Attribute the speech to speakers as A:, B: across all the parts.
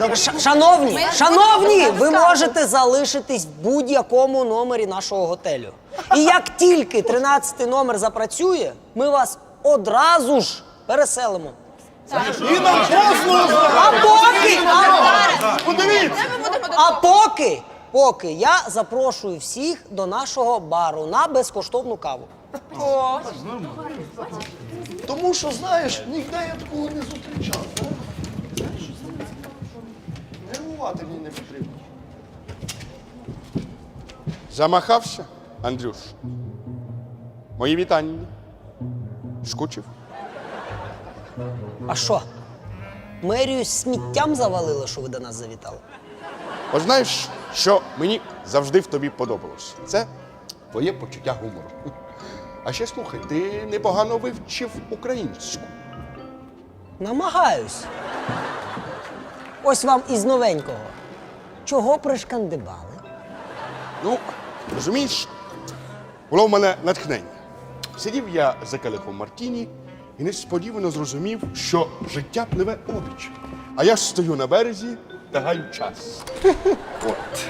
A: Шановні, ви можете залишитись в будь-якому номері нашого готелю. І як тільки 13-й номер запрацює, ми вас одразу ж переселимо.
B: І нам послугу!
A: Поки я запрошую всіх до нашого бару на безкоштовну каву.
B: Тому що, знаєш, ніде я такого не зустрічав. Нервувати мені не потрібно.
C: Замахався, Андрюш? Мої вітання. Скучив?
A: А що? Мерію сміттям завалило, що ви до нас завітали?
C: От знаєш, що мені завжди в тобі подобалось? Це твоє почуття гумору. А ще слухай, ти непогано вивчив українську.
A: Намагаюсь. Ось вам із новенького. Чого пришкандибали?
C: Ну, розумієш, було в мене натхнення. Сидів я за келихом Мартіні і несподівано зрозумів, що життя пливе обіч. А я ж стою на березі та гаю час. От.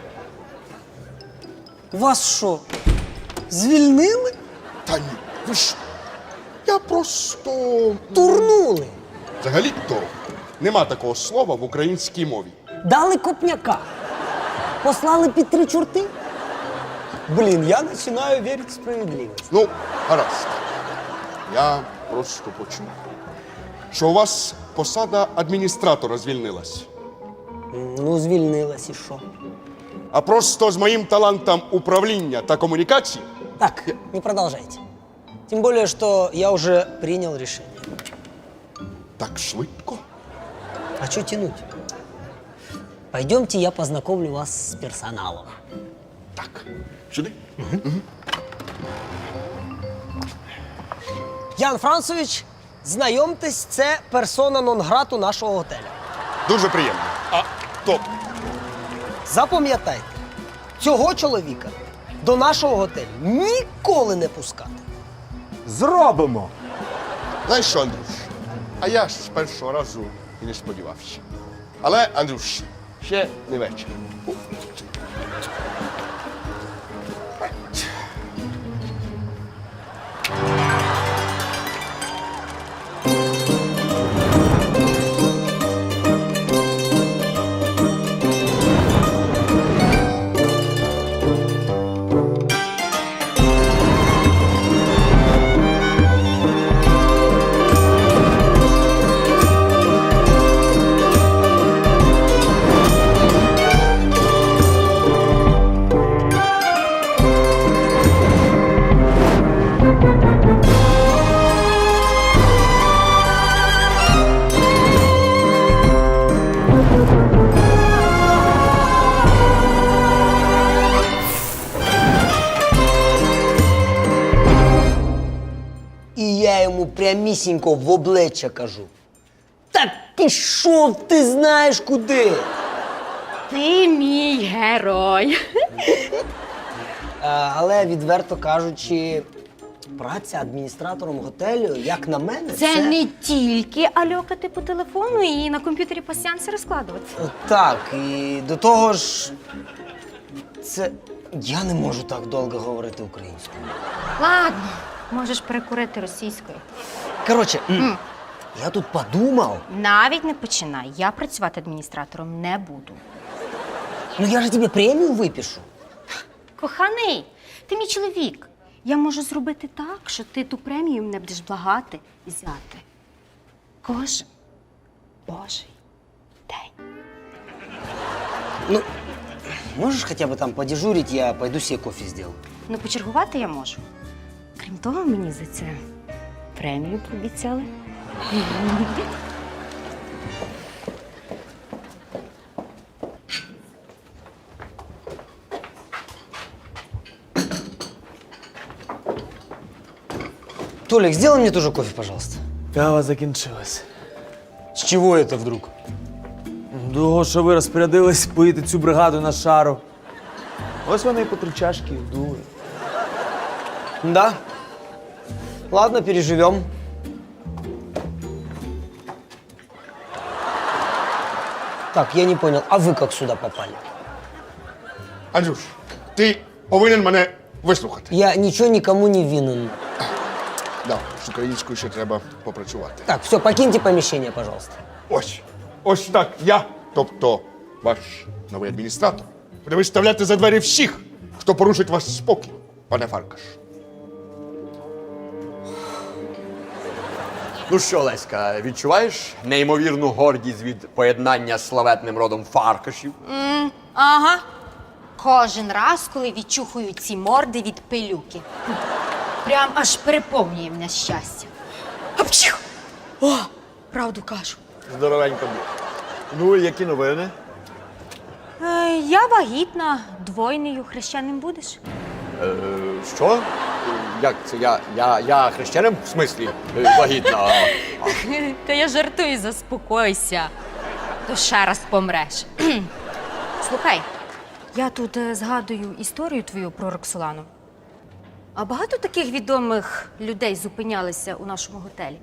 A: Вас що, звільнили?
C: Та ні, ви ж, я просто...
A: Турнули?
C: Взагалі-то нема такого слова в українській мові.
A: Дали копняка? Послали під 3 чорти? Блін, я починаю вірити в справедливість.
C: Ну, гаразд. Я просто почув, що у вас посада адміністратора звільнилась.
A: Ну, звільнилась і що?
C: А просто з моїм талантом управління та комунікації
A: Так, не продолжайте. Тем более, что я уже принял решение.
C: так швидко.
A: А что тянуть? Пойдемте, я познакомлю вас с персоналом.
C: Так, сюди.
A: Ян Францович, знайомтесь, це персона нон-грату нашого готелю.
C: Дуже приємно. А то
A: Запам'ятайте, цього чоловіка до нашого готелю ніколи не пускати.
D: Зробимо!
C: знаєш що, Андрюш? А я ж з першого разу і не сподівався. Але, Андрюш, ще не вечір.
A: І я йому прямісінько в обличчя кажу. Та пішов ти знаєш куди.
E: Ти мій герой.
A: Але, відверто кажучи, праця адміністратором готелю, як на мене,
E: Це не тільки альокати по телефону і на комп'ютері пасіанси розкладувати.
A: Так, і до того ж, це... Я не можу так довго говорити українською.
E: Ладно, можеш перекурити російською.
A: Коротше, я тут подумав.
E: Навіть не починай. Я працювати адміністратором не буду.
A: Ну я ж тобі премію випишу.
E: Коханий, ти мій чоловік. Я можу зробити так, що ти ту премію мене будеш благати і взяти. Кожен божий день.
A: Ну, можеш хоча б там подежурить, я пойду себе кофе сделаю.
E: Ну, почергувати я можу. Крім того, мені за це премію пообіцяли.
A: Толик, сделай мне тоже кофе, пожалуйста.
D: Кава закінчилась.
A: С чего это вдруг?
D: Того, що ви розпорядились поїти цю бригаду на шару. Ось вони і по 3 чашки дули.
A: Да. Ладно, переживем. Так, я не понял, а вы как сюда попали?
C: Андрюш, ти повинен мене вислухати.
A: Я ничего никому не винен.
C: Да, з українською ще треба попрацювати.
A: Так, все, покиньте помещение, пожалуйста.
C: Ось так я, тобто ваш новий адміністратор, буде виставляти за двері всіх, хто порушить ваш спокій, пане Фаркаш.
F: Ну що, Леська, відчуваєш неймовірну гордість від поєднання з славетним родом Фаркашів?
E: Ага. Кожен раз, коли відчухую ці морди від пилюки. Прям аж переповнює мене щастя. Апчху! О, правду кажу.
F: Здоровенько був. Ну, і які новини?
E: Я вагітна, двойнею хрещеним будеш?
F: Що? Як це? Я хрещеним? В смислі? Вагітна.
E: Та я жартую, заспокойся. То ще раз помреш. Слухай, я тут згадую історію твою про Роксолану. А багато таких відомих людей зупинялися у нашому готелі?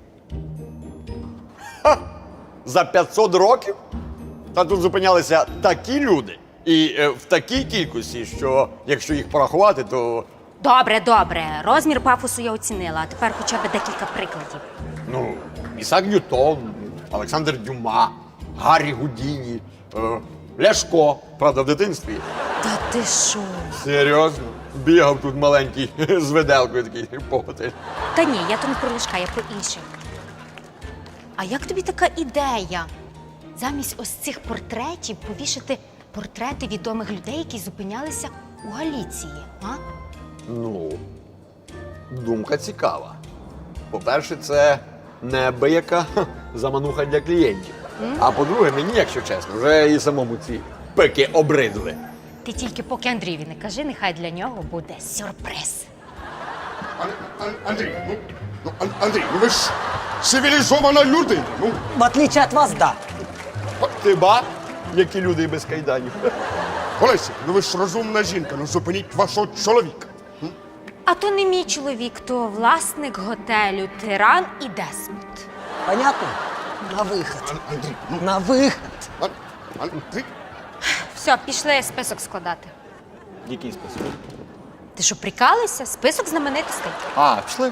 F: За 500 років? Та тут зупинялися такі люди. І в такій кількості, що якщо їх порахувати, то
E: Добре, добре. Розмір пафосу я оцінила, а тепер хоча б декілька прикладів.
F: ну, Ісак Ньютон, Олександр Дюма, Гаррі Гудіні, Ляшко, правда, в дитинстві.
E: Та ти що?
F: Серйозно? Бігав тут маленький з виделкою такий по готелі.
E: Та ні, я то не про Ляшка, я про інших. А як тобі така ідея? Замість ось цих портретів повішати портрети відомих людей, які зупинялися у Галіції, а?
F: Ну, думка цікава. По-перше, це неабияка замануха для клієнтів. А по-друге, мені, якщо чесно, вже і самому ці пики обридли.
E: Ти тільки поки Андрієві не кажи, нехай для нього буде сюрприз.
C: Андрій, Андрій, ну ви ж цивілізована людина. Ну,
A: В отличие от вас, да.
F: Ти ба, які люди і без кайданів.
C: Олеся, ну ви ж розумна жінка, ну зупиніть вашого чоловіка.
E: А то не мій чоловік, то власник готелю Тиран і Десмонд.
A: Понятно? На выход.
C: Андрій,
A: На выход.
C: Андрій.
E: Все, пішли список складати.
F: Який список?
E: Ти що, прикалуєшся? Список знаменитостей.
F: А, пішли.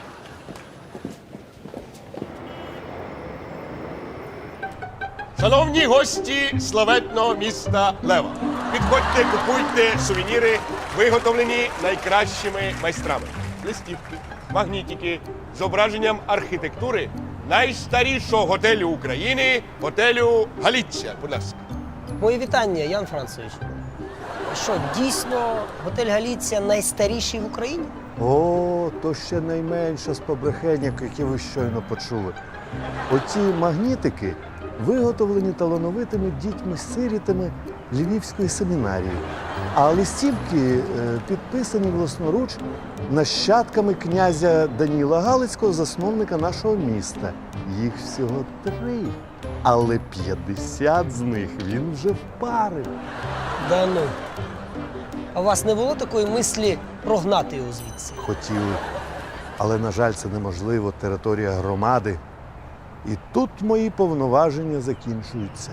G: Шановні гості славетного міста Лева, підходьте, купуйте сувеніри, виготовлені найкращими майстрами. Листівки, магнітики з зображенням архітектури найстарішого готелю України, готелю Галіція. Будь ласка.
A: Мої вітання, Ян Францович. Що, дійсно, готель Галіція найстаріший в Україні?
B: О, то ще найменше з побрехеньок, які ви щойно почули. Оці магнітики виготовлені талановитими дітьми-сирітами Львівської семінарії, а листівки підписані власноруч нащадками князя Даніла Галицького, засновника нашого міста. Їх всього 3, але 50 з них він вже впарив.
A: Да ну. А у вас не було такої мислі прогнати його звідси?
B: Хотіли, але, на жаль, це неможливо, територія громади. І тут мої повноваження закінчуються.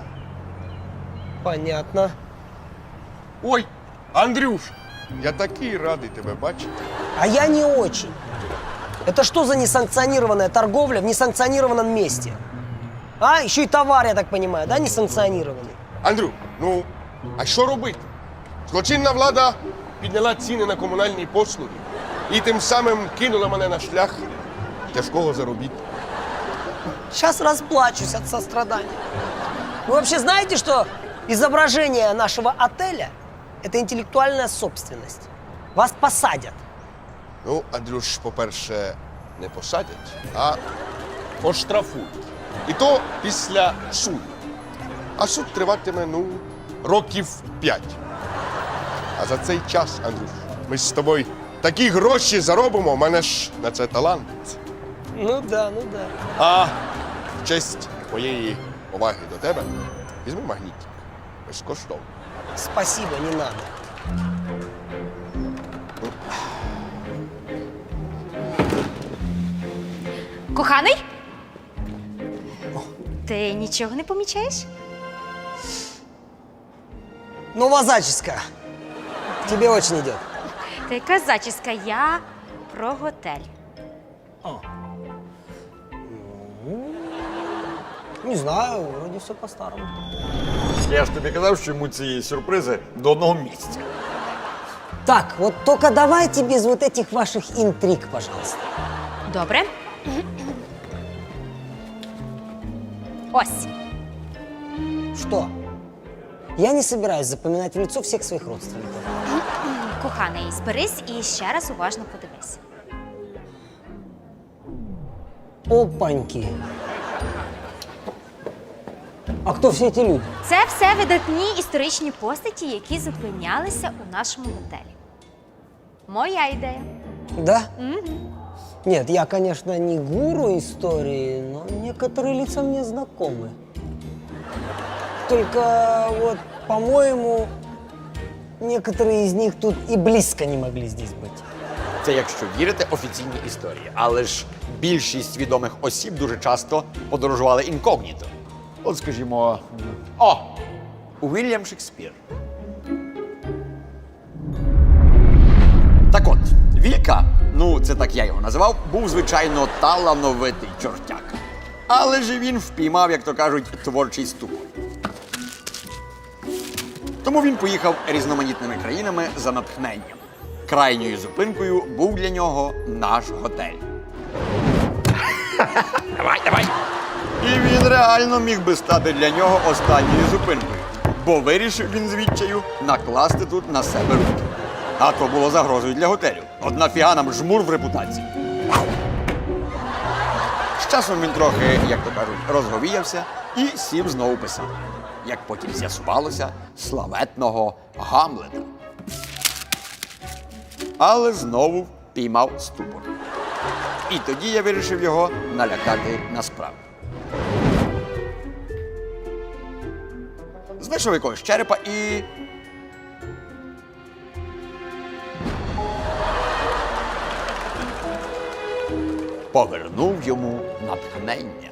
A: Понятно.
C: Ой, Андрюш, я такий радий тебе бачити.
A: А я не очень. Это что за несанкционированная торговля в несанкционированном месте? А, еще и товар, я так понимаю, да, несанкционированный?
C: Андрю, ну, а що робити? Злочинна влада підняла ціни на комунальні послуги і тим самим кинула мене на шлях тяжкого заробітку.
A: Сейчас расплачусь от сострадания. Вы вообще знаете, что изображение нашего отеля – это интеллектуальная собственность? Вас посадят.
C: Ну, Андрюш, по-перше, не посадять, а оштрафують. І то після суду. А суд триватиме, ну, років 5. А за цей час, Андрюш, ми з тобою такі гроші заробимо, у мене ж на це талант.
A: Ну да, ну да.
C: А в честь моєї поваги до тебе візьми магнітик. Безкоштовно.
A: Спасибо, не надо.
E: Коханий? Ти нічого не помічаєш?
A: Новая заческа. Тебе очень идет.
E: Та яка зачіска? Я про готель.
A: Не знаю, вроде все по-старому.
F: Я ж тобі казав, що йому ці сюрпризи до одного місця.
A: Так, вот только давайте без вот этих ваших интриг, пожалуйста.
E: Добре. Ось.
A: Что? Я не собираюсь запоминать в лицо всех своих родственников.
E: Коханий, зберись і ще раз уважно подивись.
A: Опаньки. А кто все эти люди?
E: Це все видатні історичні постаті, які зупинялися у нашому готелі. Моя ідея.
A: Да? Нет, я, конечно, не гуру истории, но некоторые лица мне знакомы. Только вот, по-моему, некоторые из них тут и близко не могли здесь быть.
F: Це якщо вірити офіційній історії. Але ж більшість відомих осіб дуже часто подорожували інкогніто. От, скажімо, Уільям Шекспір. Так от, Вілька, ну це так я його називав, був, звичайно, талановитий чортяк. Але ж він впіймав, як то кажуть, творчий ступор. Тому він поїхав різноманітними країнами за натхненням. Крайньою зупинкою був для нього наш готель. Давай. І він реально міг би стати для нього останньою зупинкою, бо вирішив він з відчаю накласти тут на себе руки. А то було загрозою для готелю. От нафіга нам жмур в репутації. З часом він трохи, як то кажуть, розговіявся і сів знову писати. Як потім з'ясувалося, славетного Гамлета. Але знову піймав ступор. І тоді я вирішив його налякати насправді. Знайшов якогось черепа і... повернув йому натхнення.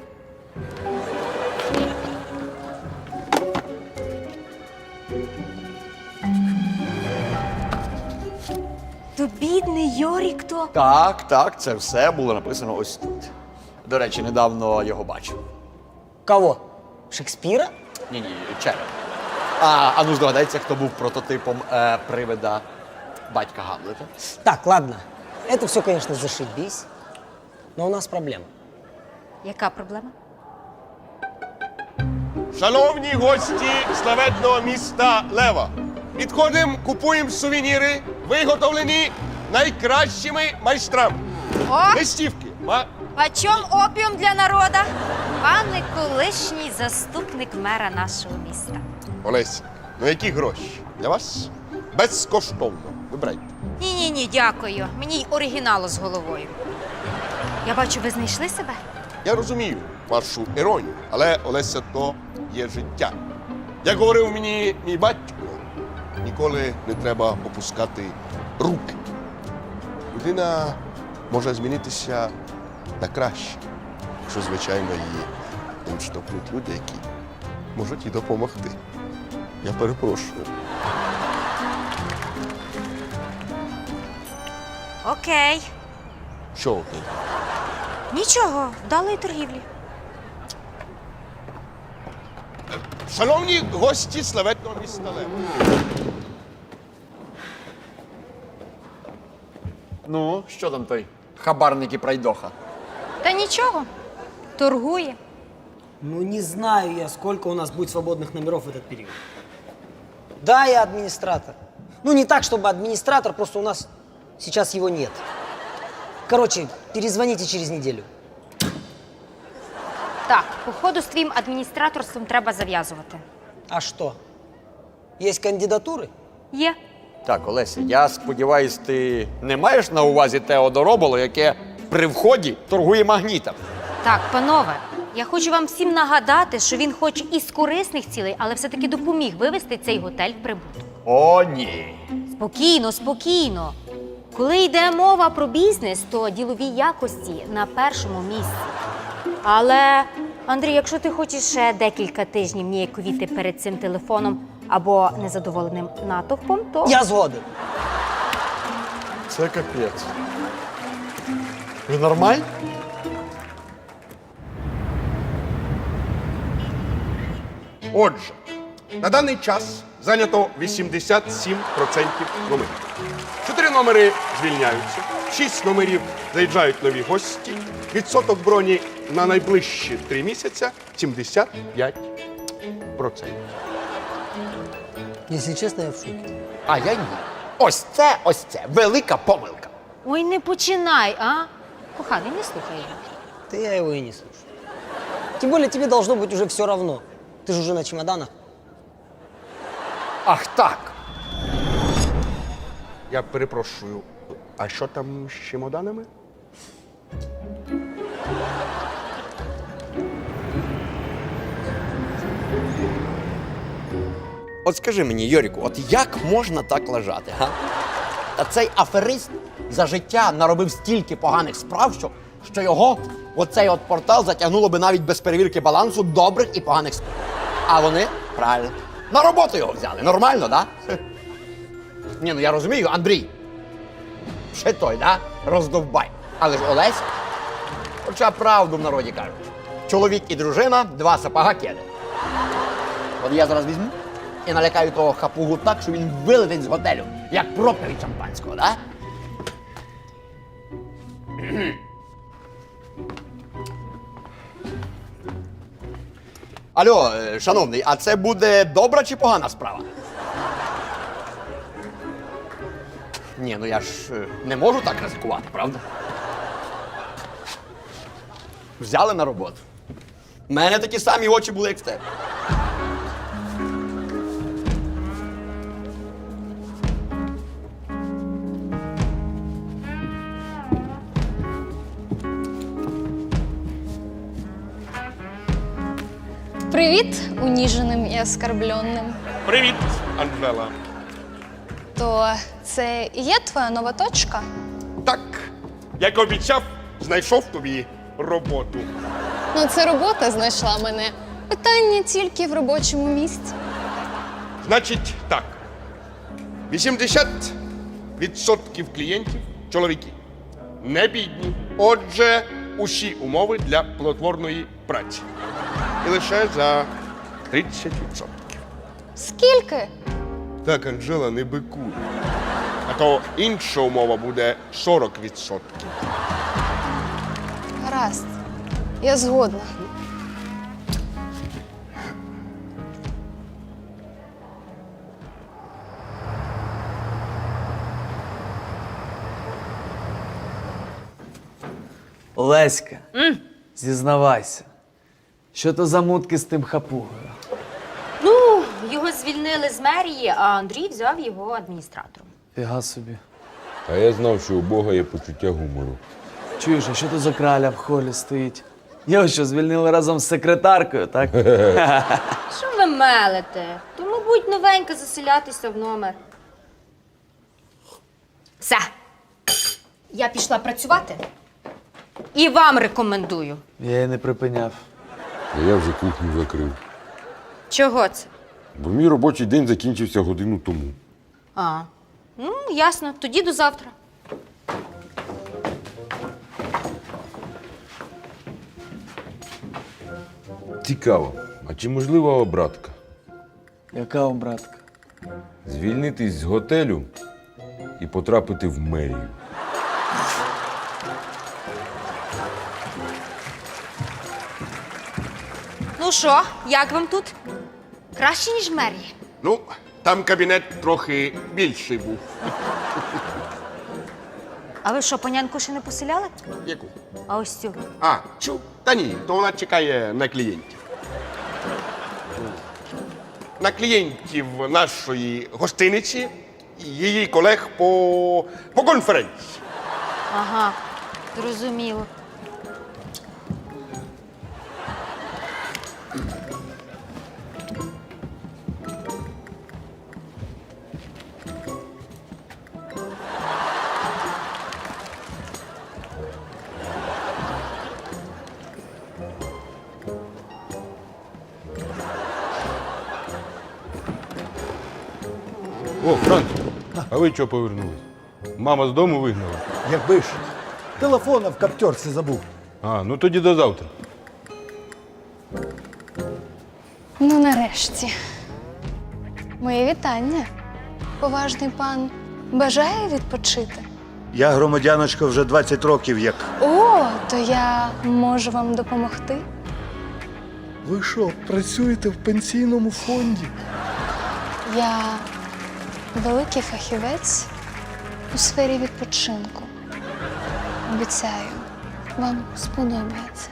E: То бідний Йорік то.
F: Так, це все було написано ось тут. До речі, недавно його бачив.
A: Кого? Шекспира?
F: Ні, череп. А ну здогадайся, хто був прототипом привида батька Гамлета.
A: Так, ладно. Это все, конечно, зашибись. Но у нас проблема.
E: Яка проблема?
G: Шановні гості славетного міста Лева, підходимо, купуємо сувеніри, виготовлені найкращими майстрами.
E: О!
G: Листівки.
E: Почем опіум для народа? Пане колишній заступник мера нашого міста.
G: Олеся, ну які гроші? Для вас безкоштовно. Вибирайте.
E: Ні, дякую. Мені й оригіналу з головою. Я бачу, ви знайшли себе?
G: Я розумію вашу іронію, але Олеся, то є життя. Як говорив мені мій батько, ніколи не треба опускати руки. Людина може змінитися на краще, якщо, звичайно, її не відштовхнуть люди, які можуть їй допомогти. Я перепрошую.
E: Окей.
G: Що окей?
E: Нічого, вдалої торгівлі.
G: Шановні гості славетного міста Лева.
F: Ну, що там той хабарник і пройдоха?
E: Та нічого. Торгує.
A: Ну, не знаю я, сколько у нас будет свободных номеров в этот период. Да, я администратор. Ну, не так, чтобы администратор, просто у нас сейчас его нет. Короче, перезвоните через неделю.
E: Так, походу з твоїм адміністраторством треба зав'язувати.
A: А что? Есть кандидатуры?
E: Є.
F: Так, Олеся, я сподіваюсь, ти не маєш на увазі те одороболо, яке при вході торгує магнітом?
E: Так, панове, я хочу вам всім нагадати, що він хоч і з корисних цілей, але все-таки допоміг вивести цей готель в прибуток.
F: О, ні.
E: Спокійно. Коли йде мова про бізнес, то ділові якості на першому місці. Але, Андрій, якщо ти хочеш ще декілька тижнів ніяковіти перед цим телефоном, або незадоволеним натовпом, то
A: Я згоден.
F: Це капець. Ви нормальні?
C: Отже, на даний час зайнято 87% номерів. 4 номери звільняються, 6 номерів заїжджають нові гості. Відсоток броні на найближчі 3 місяця 75%.
A: Если честно, я в шоке.
F: А я ні. Ось це велика помилка.
E: ой, не починай, а? Коханий, не слухай його.
A: Да я его и не слушаю. Тем более тебе должно быть уже все равно. Ты же уже на чемоданах.
F: Ах так.
C: Я перепрошую, а що там з чемоданами?
F: От скажи мені, Йоріку, от як можна так лежати, га? Та цей аферист за життя наробив стільки поганих справ, що його оцей от портал затягнуло би навіть без перевірки балансу добрих і поганих справ. А вони, правильно, на роботу його взяли. Нормально, да? Ні, ну я розумію, Андрій. Ще той, да? Роздовбай. Але ж Олеся, хоча правду в народі кажуть. Чоловік і дружина, 2 сапога кеди. От я зараз візьму і налякаю того хапугу так, що він вилетить з готелю, як пробка від шампанського, да? Алло, шановний, а це буде добра чи погана справа? Ні, ну я ж не можу так ризикувати, правда? Взяли на роботу. У мене такі самі очі були, як в тебе.
H: Привіт, уніженим і оскорбленним.
C: Привіт, Анжела.
H: То це і є твоя нова точка?
C: Так, як обіцяв, знайшов тобі роботу.
H: Ну, це робота знайшла мене. Питання тільки в робочому місці.
C: Значить так, 80% клієнтів – чоловіки. Не бідні. Отже, усі умови для плодотворної праці. І лише за 30%.
H: Скільки?
C: Так, Анжела, не бикуй. А то інша умова буде 40%.
H: Гаразд. Я згодна.
D: Олеська, зізнавайся, що то за мутки з тим хапугою?
E: Ну, його звільнили з мерії, а Андрій взяв його адміністратором.
D: Фіга собі.
I: А я знав, що у Бога є почуття гумору.
D: Чуєш, а що то за краля в холі стоїть? Його що, звільнили разом з секретаркою, так?
E: Що ви мелите? То, мабуть, новенька заселятися в номер. Все. Я пішла працювати. І вам рекомендую.
D: Я її не припиняв.
I: А я вже кухню закрив.
E: Чого це?
I: Бо мій робочий день закінчився годину тому.
E: А, ну, ясно. Тоді до завтра.
I: Цікаво, а чи можлива обратка?
D: Яка обратка?
I: Звільнитись з готелю і потрапити в мерію.
E: Ну що, як вам тут? Краще, ніж в мерії?
C: Ну, там кабінет трохи більший був.
E: А ви що, панянку ще не поселяли?
C: Яку?
E: А ось цю.
C: А, чу? Та ні, то вона чекає на клієнтів. На клієнтів нашої гостиниці і її колег по конференції.
E: Ага, зрозуміло.
C: О, Франц, а ви чого повернулись? Мама з дому вигнала?
B: Якби ж телефона в каптерці забув.
C: А, ну тоді до завтра.
H: Ну, нарешті. Моє вітання. Поважний пан бажає відпочити?
B: Я, громадяночка, вже 20 років як.
H: О, то я можу вам допомогти.
B: Ви що, працюєте в пенсійному фонді?
H: Я великий фахівець у сфері відпочинку. Обіцяю, вам сподобається.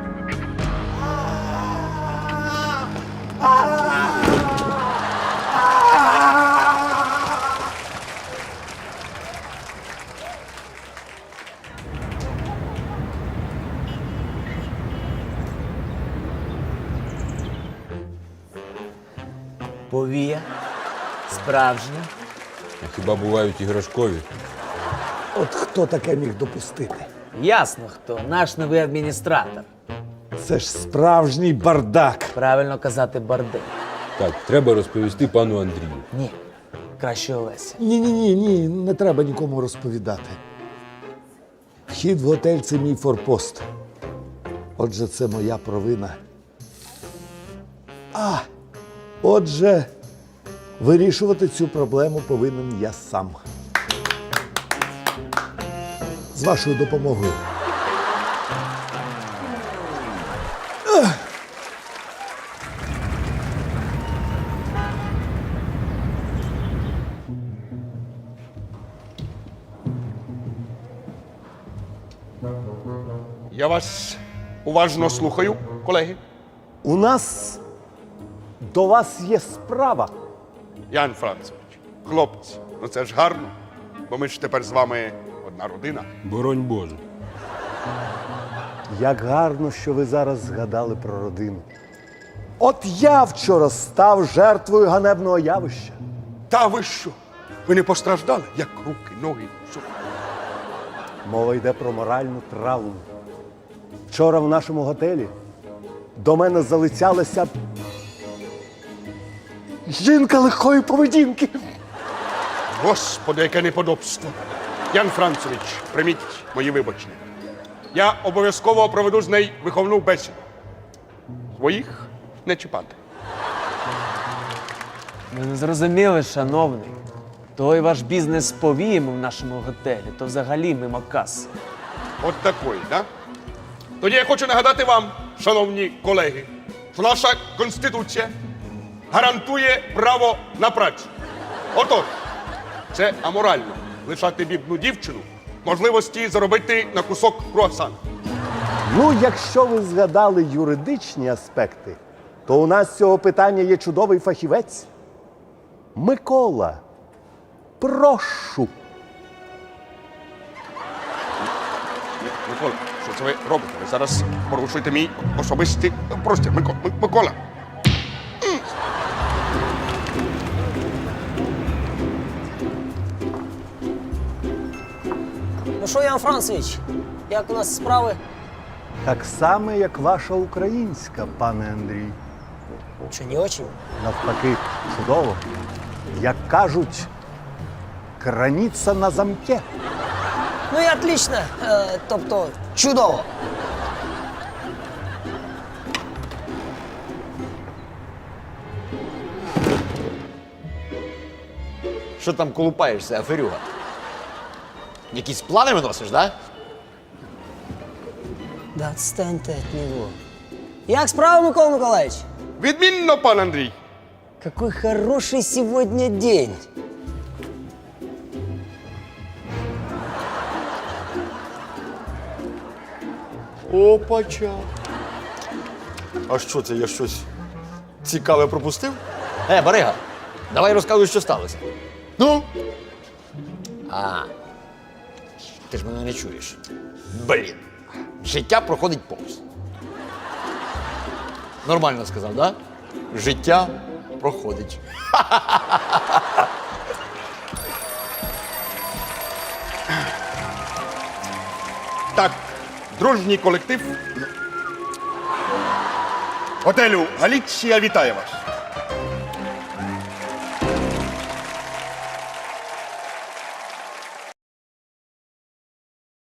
D: Повія. Справжня.
I: А хіба бувають іграшкові?
B: От хто таке міг допустити?
D: Ясно хто. Наш новий адміністратор.
B: Це ж справжній бардак.
D: Правильно казати бардак.
I: Так, треба розповісти пану Андрію.
D: Ні. Краще Олеся.
B: Ні, не треба нікому розповідати. Вхід в готель – це мій форпост. Отже, це моя провина. Отже, вирішувати цю проблему повинен я сам. З вашою допомогою.
C: Я вас уважно слухаю, колеги.
B: У нас до вас є справа.
C: Ян Францевич, хлопці, ну це ж гарно, бо ми ж тепер з вами одна родина.
I: Боронь Боже.
B: Як гарно, що ви зараз згадали про родину. От я вчора став жертвою ганебного явища.
C: Та ви що? Ви не постраждали? Як руки, ноги? Що?
B: Мова йде про моральну травму. Вчора в нашому готелі до мене залицялася жінка легкої поведінки.
C: Господи, яке неподобство. Ян Францевич, прийміть мої вибачення. Я обов'язково проведу з нею виховну бесіду. Своїх не чіпати.
D: Ми не зрозуміли, шановний. Той ваш бізнес з повіями в нашому готелі, то взагалі мимо каси.
C: От такої, да? Тоді я хочу нагадати вам, шановні колеги, що наша Конституція гарантує право на працю. Отож, це аморально лишати бідну дівчину можливості заробити на кусок круасана.
B: Ну, якщо ви згадали юридичні аспекти, то у нас з цього питання є чудовий фахівець. Микола, прошу.
C: Микола, що це ви робите? Ви зараз порушуєте мій особистий простір. Микола.
A: Ну що, Ян Францевич, як у нас справи?
B: Так само, як ваша українська, пане Андрій.
A: Що, не очень?
B: Навпаки, чудово. Як кажуть, краніця на замке.
A: Ну і отлично, тобто чудово.
F: Що там колупаєшся, аферюга? Якісь плани виносиш, да?
A: Да отстань ты от него. Як справа, Микола Миколаївич?
C: Відмінно, пан Андрій.
A: Какой хороший сегодня день.
F: Опача. А що це, я щось цікаве пропустив? Барига, давай розказуй, що сталося. Ну? Ти ж мене не чуєш. Блін. Життя проходить повз. Нормально сказав, да? Життя проходить.
C: Так, дружній колектив готелю Галіція вітає вас.